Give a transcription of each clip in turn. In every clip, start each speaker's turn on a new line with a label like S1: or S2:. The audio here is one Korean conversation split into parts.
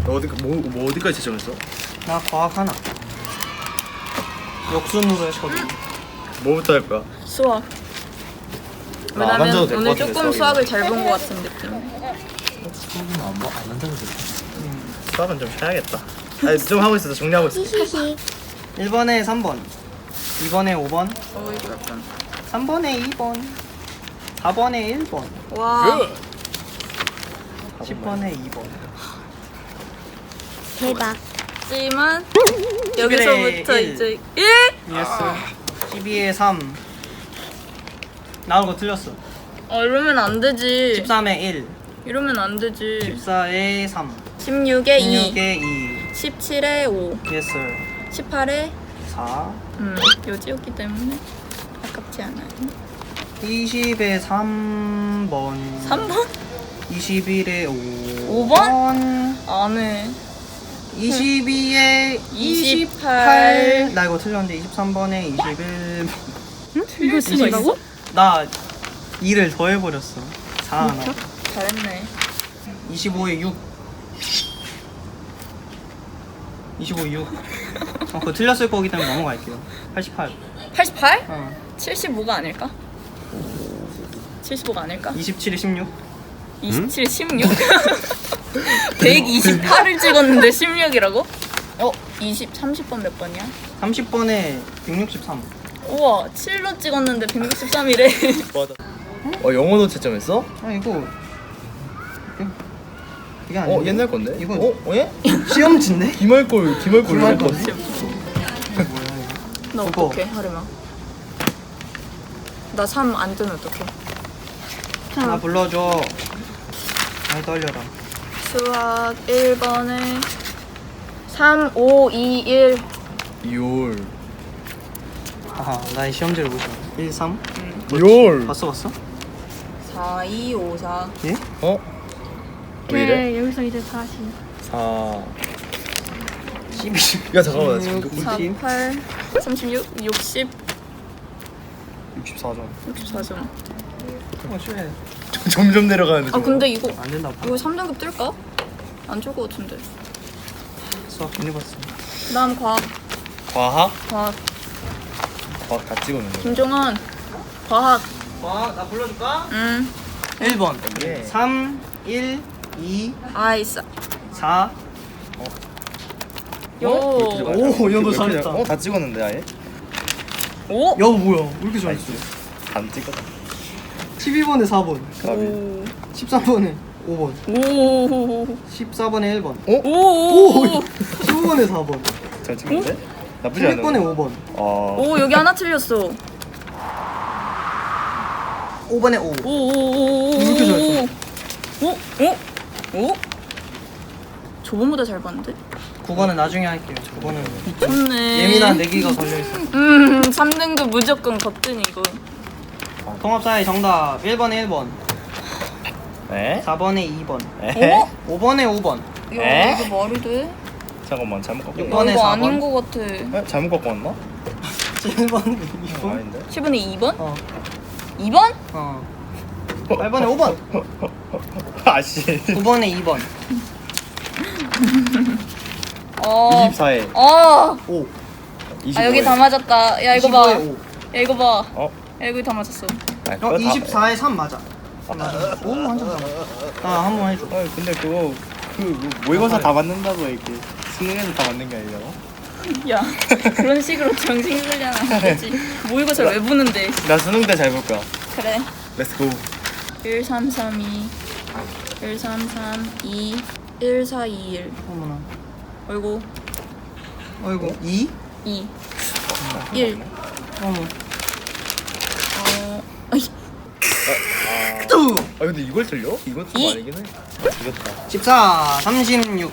S1: 너 뭐 어디까지 채점했어?
S2: 나 과학 하나. 역순으로 했거든.
S1: 뭐부터 할 거야?
S3: 수학.
S1: 안
S3: 왜냐면
S1: 앉아도 될것
S3: 오늘
S1: 같은데,
S3: 조금
S1: 수학이면.
S3: 수학을 잘 본 것 같은 느낌.
S4: 안 한다고 돼.
S1: 수학은 좀 쉬어야겠다. 아니 좀 하고 있어. 정리하고 있어.
S2: 1번에 3번, 2번에 5번,
S3: 이거 약간.
S2: 3번에 2번, 4번에 1번,
S3: 와.
S2: 10번에 2번.
S5: 대박.
S3: 하지만 여기서부터
S2: 1.
S3: 이제 1?
S2: 예스. 12에 3. 나온 거 틀렸어.
S3: 이러면 안 되지.
S2: 13에 1,
S3: 이러면 안 되지.
S2: 14에 3,
S3: 16에 2,
S2: 16에 2.
S3: 17에 5,
S2: 예스.
S3: 18에
S2: 4.
S3: 요지였기 때문에 아깝지 않아요.
S2: 20에 3번.
S3: 3번?
S2: 21에
S3: 5번? 안 해.
S2: 22에
S3: 28.
S2: 28. 나 이거 틀렸는데 23번에 21.
S3: 이거 쓰신다고?
S2: 나 2를 더해버렸어. 4 하나.
S3: 잘했네.
S2: 25에 6. 25에 6. 그거 틀렸을 거기 때문에 넘어갈게요. 88.
S3: 88?
S2: 어.
S3: 75가 아닐까? 75가 아닐까?
S2: 27에 16.
S3: 27에 16? 128을 찍었는데 16이라고? 30번 몇 번이야?
S2: 30번에 163.
S3: 우와, 7로 찍었는데 163이래.
S1: 맞아. 영어도 채점했어?
S2: 아 이거 이게 아니야?
S1: 옛날 건데?
S2: 이거
S1: 예?
S2: 시험지인데?
S1: 기말골
S2: 기말골.
S1: 건데?
S3: 나
S2: 그거.
S3: 어떡해, 하림아. 나 3 안 뜨면 어떡해.
S2: 나 불러줘. 많이 떨려라.
S3: 수학 1번에 3, 5, 2, 1.
S1: 2월.
S2: 아하, 나의 시험지를 보자. 1, 3.
S1: 2월.
S2: 봤어?
S3: 4, 2, 5, 4.
S2: 예?
S1: 왜 이래?
S5: 네, 여기서 이제 다시.
S1: 4.
S2: 12.
S1: 야 잠깐만 나 지금
S3: 4,
S2: 꿀팁.
S3: 8, 36, 60,
S1: 64점.
S3: 64점.
S2: 쉬해.
S1: 점점 내려가는데.
S3: 아, 근데 이거
S2: 안 된다.
S3: 이거 3등급 뜰까? 안 줄 것 같은데.
S2: 수학 괜히 봤어.
S3: 다음 과학.
S1: 과학?
S3: 과학.
S1: 과학 다 찍었는데.
S3: 김종원. 과학.
S2: 나 불러줄까?
S3: 1번.
S1: 예.
S2: 3, 1, 2,
S3: 아이스.
S2: 4.
S3: 요.
S2: 오, 연도 잘했다.
S1: 다 찍었는데 아예?
S3: 오.
S2: 야, 뭐야? 왜 이렇게 잘했어?
S1: 안 찍었다.
S2: 12번에 4번.
S3: 오.
S2: 13번에 5번.
S3: 오.
S2: 14번에 1번.
S3: 오.
S2: 15번에 4번.
S1: 잘 찍었는데? 나쁘지 않아.
S2: 16번에 5번.
S3: 오, 여기 하나 틀렸어.
S2: 5번에 5.
S3: 오.
S2: 왜 이렇게 잘했어?
S3: 오. 저번보다 잘 봤는데?
S2: 9번은 나중에 할게요. 저거는
S3: 좋네.
S2: 예민한 내기가 걸려있어.
S3: 3등급 무조건 거뜬 이거.
S2: 통합사회 정답 1번에 1번,
S1: 에?
S2: 4번에 2번,
S1: 에?
S2: 5번에 5번,
S3: 야, 이거 말이 돼?
S1: 잠깐만 잘못 꺾고.
S3: 야,
S2: 6번에
S3: 이거
S2: 4번.
S3: 아닌 거 같아.
S1: 에? 잘못 꺾고 왔나?
S2: 7번에 2번.
S1: 아닌데?
S3: 10번에 2번?
S2: 어.
S3: 2번?
S2: 8번에 5번,
S1: 아씨.
S2: 9번에 2번,
S1: 24에
S3: 아,
S2: 5,
S3: 여기 다 맞았다. 야, 이거 봐.
S2: 25에 5.
S3: 야, 이거 봐.
S1: 어?
S3: 야, 여기 다 맞았어.
S2: 24에 3 맞아. 맞아. 오, 완전 맞아. 한번 해줘.
S1: 근데 그거 모의고사 다 맞는다고 이렇게 수능에서 다 맞는 게 아니잖아.
S3: 야, 그런 식으로 정신 쓰려나 안 되지. 모의고사를 왜 보는데.
S1: 나 수능 때 잘 볼 거야.
S3: 그래.
S1: 렛츠고.
S3: 1, 3, 3, 2. 1, 3, 3, 2. 1, 4, 2, 1.
S2: 어머나.
S3: 어이구.
S2: 어이구. 2?
S3: 2. 1.
S2: 어머.
S3: 아이.
S1: 근데 이걸 틀려? 이건 좀
S3: 이.
S1: 아니긴 해. 이겼다.
S2: 14, 36.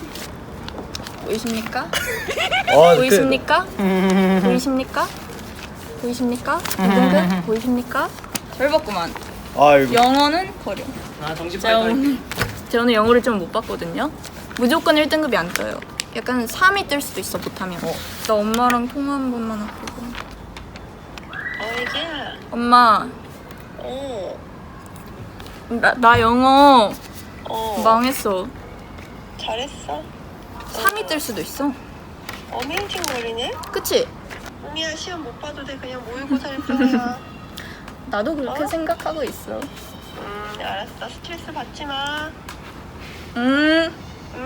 S3: 보이십니까?
S1: 아,
S3: 보이십니까? 보이십니까? 보이십니까? 이등급 보이십니까? 잘 봤구만.
S1: 아 이거.
S3: 영어는 버려.
S2: 정신
S3: 제가 오늘 영어를 좀 못 봤거든요. 무조건 1등급이 안 떠요. 약간 3이 뜰 수도 있어, 못하면. 나 엄마랑 통화 한 번만 할게요.
S5: 애기야.
S3: 엄마, 나 영어 망했어.
S5: 잘했어.
S3: 3이 뜰 수도 있어.
S5: 어메이징 거리네?
S3: 그치?
S5: 언니야 시험 못 봐도 돼. 그냥 모의고사 할 뿐이야.
S3: 나도 그렇게
S5: 어?
S3: 생각하고 있어.
S5: 알았어. 스트레스 받지 마.
S3: 음.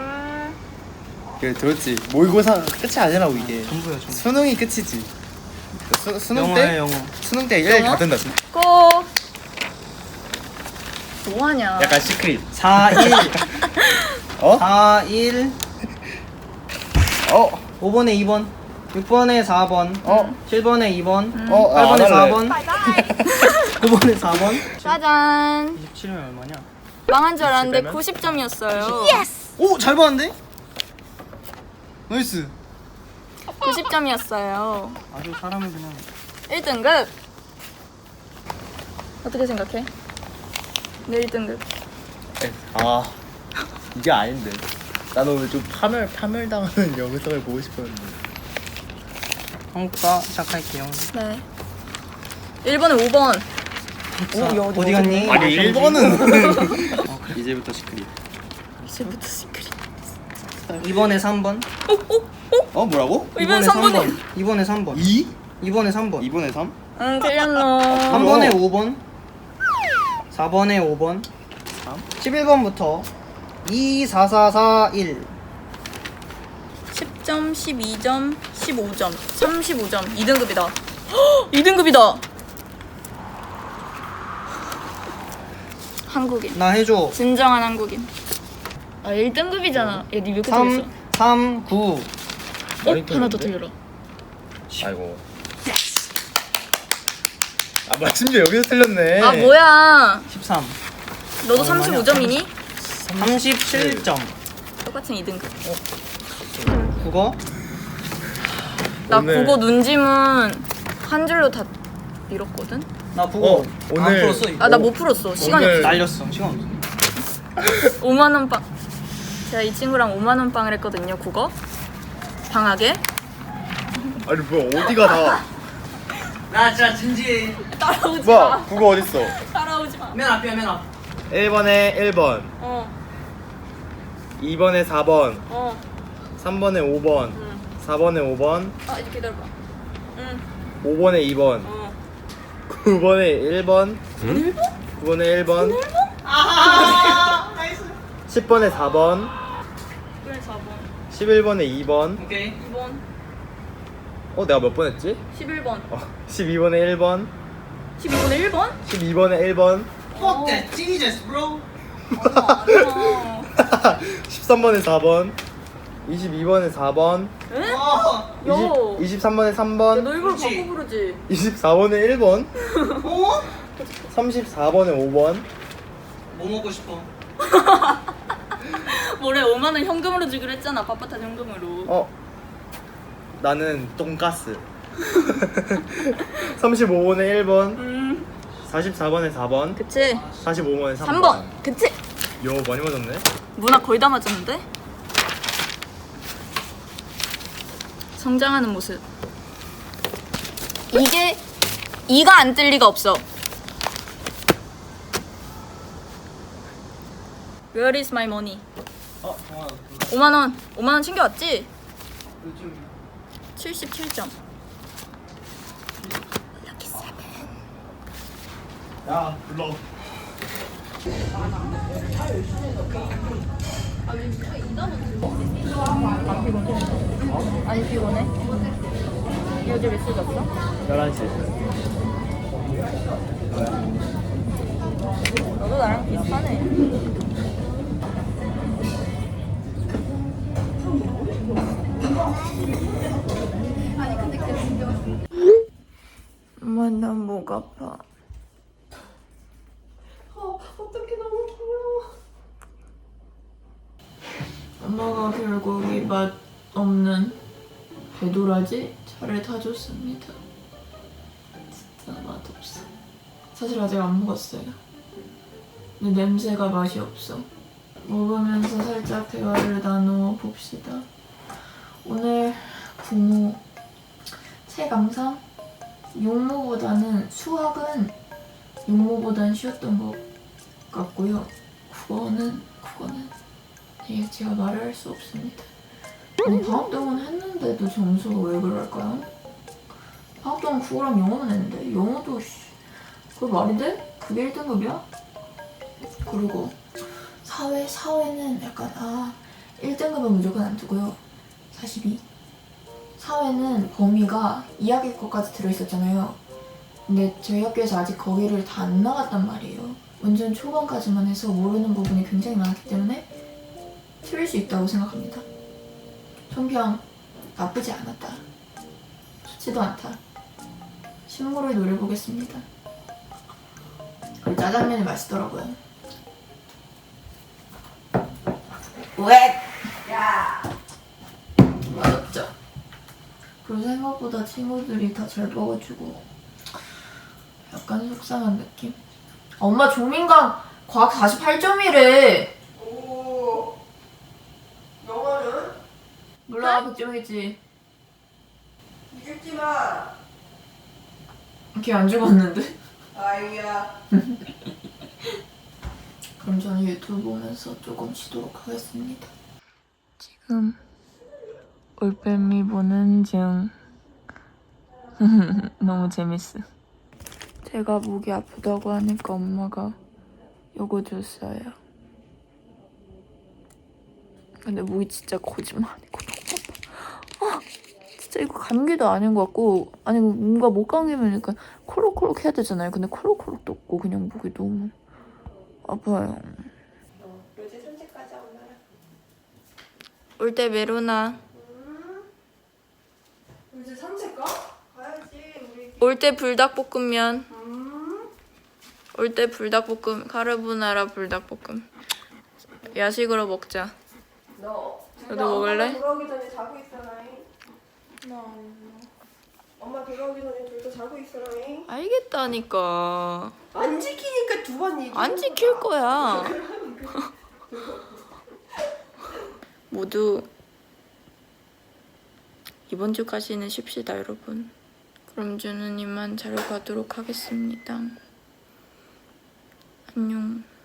S1: 그래 들었지. 모의고사 끝이 아니라고 이게.
S2: 전부야 전부.
S1: 수능이 끝이지. 수능
S2: 영어야
S1: 때
S2: 영어.
S1: 수능 때 1다
S3: 영어?
S1: 된다.
S3: 고. 뭐하냐?
S1: 약간 시크릿.
S2: 4, 1.
S1: 어?
S2: 4, 1.
S1: 어?
S2: 5번에 2번. 6번에 4번.
S1: 어?
S2: 7번에 2번. 8번에
S1: 안 할래.
S2: 4번. 9번에 4번.
S3: 짜잔.
S2: 27면 얼마냐?
S3: 망한 줄 알았는데
S1: 20면?
S3: 90점이었어요.
S2: 오! 잘 봤는데? 나이스.
S3: 90점이었어요.
S2: 아주 사람을 그냥
S3: 1등급. 어떻게 생각해? 내 1등급.
S1: 아 이게 아닌데. 나는 오늘 좀 파멸당하는 영상을 보고 싶었는데.
S2: 한국사 시작할게요.
S3: 네. 1번에 5번.
S2: 자, 어디 갔니?
S1: 아니 1번은 이제부터 시크릿.
S3: 이제부터 시크릿.
S2: 2번에 3번.
S1: 어 뭐라고?
S3: 2번에 3번이.
S2: 2번에 3번.
S1: 2?
S2: 2번에 3번.
S1: 2번에 3?
S3: 응, 틀렸노.
S2: 3번에 5번. 4번에 5번. 11번부터 2, 4, 4, 4, 1.
S3: 10점, 12점, 15점, 35점. 2등급이다. 2등급이다. 한국인.
S2: 나 해줘.
S3: 진정한 한국인. 아, 1등급이잖아. 야, 니 몇 개 틀렸어?
S2: 3, 3, 9.
S3: 하나 더 틀려라.
S1: 아이고. 아 뭐야 심지어 여기서 틀렸네.
S3: 아, 뭐야.
S2: 13.
S3: 너도
S2: 얼마냐?
S3: 35점이니?
S2: 37점.
S3: 똑같은 2등급.
S2: 국어.
S3: 나
S1: 오늘-
S3: 국어 눈지문 한 줄로 다 밀었거든?
S2: 나 국어.
S1: 오늘-
S2: 안 풀었어. 이거.
S3: 아, 나 못 풀었어. 시간이
S1: 오늘-
S3: 없어.
S2: 날렸어. 시간 없어.
S3: 5만원 빵. 제가 이 친구랑 5만원 빵을 했거든요, 국어. 방학에.
S1: 아니 뭐야 어디가 다.
S2: 나 진짜 진지해.
S3: 따라오지
S1: 뭐야 국어 어딨어?
S3: 따라오지 마.
S2: 맨 앞이야 맨 앞.
S1: 1번에 1번,
S3: 어,
S1: 2번에 4번,
S3: 어.
S1: 3번에 5번, 4번에 5번,
S3: 아, 이제 기다려봐. 응,
S1: 5번에 2번,
S3: 어.
S1: 9번에 1번, 9번에 1번,
S2: 아, 나이스.
S1: 10번에 4번,
S3: 그래, 4번.
S1: 11번에 2번.
S2: 오케이.
S3: 2번.
S1: 내가 몇 번 했지?
S3: 11번.
S1: 12번에 1번,
S3: 12번에 1번?
S1: 12번에 1번,
S2: Fuck that Jesus, bro.
S3: 아니야.
S1: 13번에 4번, 22번에 4번,
S3: 응?
S2: 어.
S3: 요.
S1: 23번에
S3: 야,
S1: 3번,
S3: 너 일부러
S2: 그치.
S3: 바꿔 부르지?
S1: 24번에 1번,
S2: 어?
S1: 34번에 5번.
S2: 뭐 먹고 싶어?
S3: 뭐래, 5만원 현금으로 주기로 했잖아, 빳빳한 현금으로.
S1: 나는 돈가스. 35번에 1번, 44번에 4번,
S3: 그치?
S1: 45번에
S3: 3번. 그치?
S1: 요 많이 맞았네.
S3: 문학 거의 다 맞았는데? 성장하는 모습. 이가 안 뜰 리가 없어. Where is my money? 5만원. 5만원 챙겨왔지? 77점.
S1: 야 불러.
S3: 안 피곤해? 어제 몇 시에 잤어?
S1: 11시.
S3: 너도 나랑 비슷하네. 엄마, 나 목 아파.
S5: 어떻게 너무 귀여워.
S3: 엄마가 결국 이 맛 없는 배도라지 차를 타줬습니다. 진짜 맛없어. 사실 아직 안 먹었어요. 근데 냄새가 맛이 없어. 먹으면서 살짝 대화를 나누어 봅시다. 오늘 부모 체감상 용모보다는 수학은 용모보다는 쉬웠던 것 같고요. 국어는 아니 제가 말을 할 수 없습니다. 방학 동안 했는데도 점수가 왜 그럴까요? 방학 동안 국어랑 영어는 했는데 영어도 그거 말이 돼? 그게 1등급이야? 그리고 사회는 약간 1등급은 무조건 안 두고요. 42. 사회는 범위가 2학기 것까지 들어있었잖아요. 근데 저희 학교에서 아직 거기를 다 안 나갔단 말이에요. 완전 초반까지만 해서 모르는 부분이 굉장히 많았기 때문에 틀릴 수 있다고 생각합니다. 총평 나쁘지 않았다. 좋지도 않다. 신물을 노려보겠습니다. 그리고 짜장면이 맛있더라고요. 왜? 야! 맛없죠? 그리고 생각보다 친구들이 다 잘 먹어주고 약간 속상한 느낌? 엄마 조민강 과학 48점이래.
S5: 오. 영어는?
S3: 몰라 100점이지.
S5: 이길지 마.
S3: 걔 안 죽었는데?
S5: 아이야.
S3: 그럼 저는 유튜브 보면서 조금 쉬도록 하겠습니다. 지금 올빼미 보는 중. 너무 재밌어. 제가 목이 아프다고 하니까 엄마가 요거 줬어요. 근데 목이 진짜 거짓말 아니고 너무 아파. 진짜 이거 감기도 아닌 것 같고, 아니 뭔가 목 감기면 약간 콜록콜록 해야 되잖아요. 근데 콜록콜록도 없고 그냥 목이 너무 아파요.
S5: 로지 산책 가자 엄마랑.
S3: 올 때 메로나.
S5: 로지 산책 가? 가야지 우리.
S3: 올 때 불닭볶음면. 올 때 불닭볶음, 카르보나라 불닭볶음. 야식으로 먹자.
S5: 너.
S3: 너도 먹을래?
S5: 엄마 돌아오기 전에 자고 있어라잉. 엄마 돌아오기 전에 둘 다 자고 있어라잉.
S3: 알겠다니까.
S5: 안 지키니까 두 번 얘기.
S3: 안 지킬 거야. 모두 이번 주까지는 쉽시다, 여러분. 그럼 저는 이만 자러 가도록 하겠습니다. 안녕.